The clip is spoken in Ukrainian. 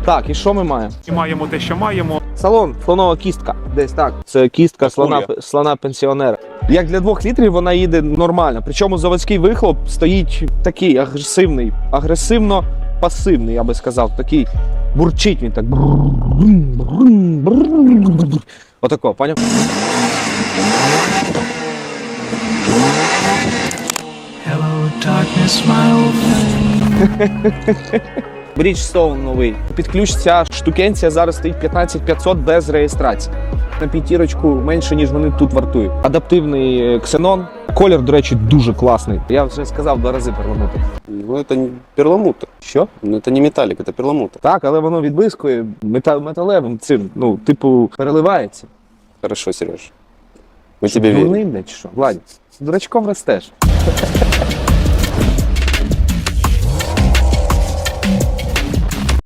Так, і що ми маємо? І маємо те, що маємо. Салон, слонова кістка. Десь так. Це кістка слона-пенсіонера. Як для 2 літрів вона їде нормально. Причому заводський вихлоп стоїть такий агресивний, агресивно-пасивний, я би сказав. Такий бурчить він так. Отако, поняв? Hello, darkness, my old friend. Bridgestone новий. Під ключ ця штукенція зараз стоїть 15500 без реєстрації. На п'ятірочку менше, ніж вони тут вартують. Адаптивний ксенон. Колір, до речі, дуже класний. Я вже сказав 2 рази перламутр. Ну, это не перламутр. Що? Ну, это не металлик, это перламутр. Так, але воно відблискує металевим цим. Ну, типу, переливається. Хорошо, Сереж. Мы тебе верим. Дурним, чи що? Владі, з дурачком ростеш.